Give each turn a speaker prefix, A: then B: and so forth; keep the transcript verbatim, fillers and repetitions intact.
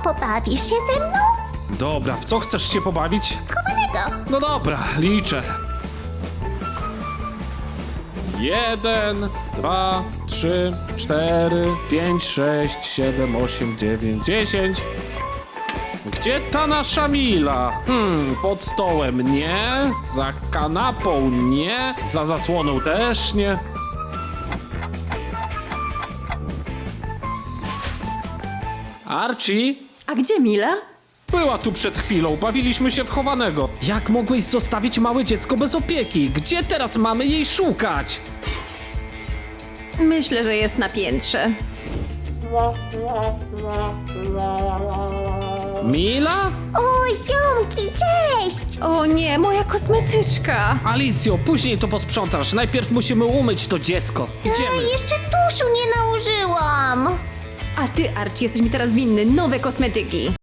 A: pobawisz się ze mną?
B: Dobra, w co chcesz się pobawić?
A: Chowanego.
B: No dobra, liczę. Jeden, dwa, trzy, cztery, pięć, sześć, siedem, osiem, dziewięć, dziesięć. Gdzie ta nasza Mila? Hmm, pod stołem nie, za kanapą nie, za zasłoną też nie. Archie?
C: A gdzie Mila?
B: Była tu przed chwilą, bawiliśmy się w chowanego. Jak mogłeś zostawić małe dziecko bez opieki? Gdzie teraz mamy jej szukać?
C: Myślę, że jest na piętrze.
B: Mila?
A: O, ziomki, cześć!
C: O nie, moja kosmetyczka!
B: Alicjo, później to posprzątasz. Najpierw musimy umyć to dziecko.
A: A
B: Idziemy.
A: jeszcze tuszu nie nałożyłam.
C: A ty, Archie, jesteś mi teraz winny nowe kosmetyki.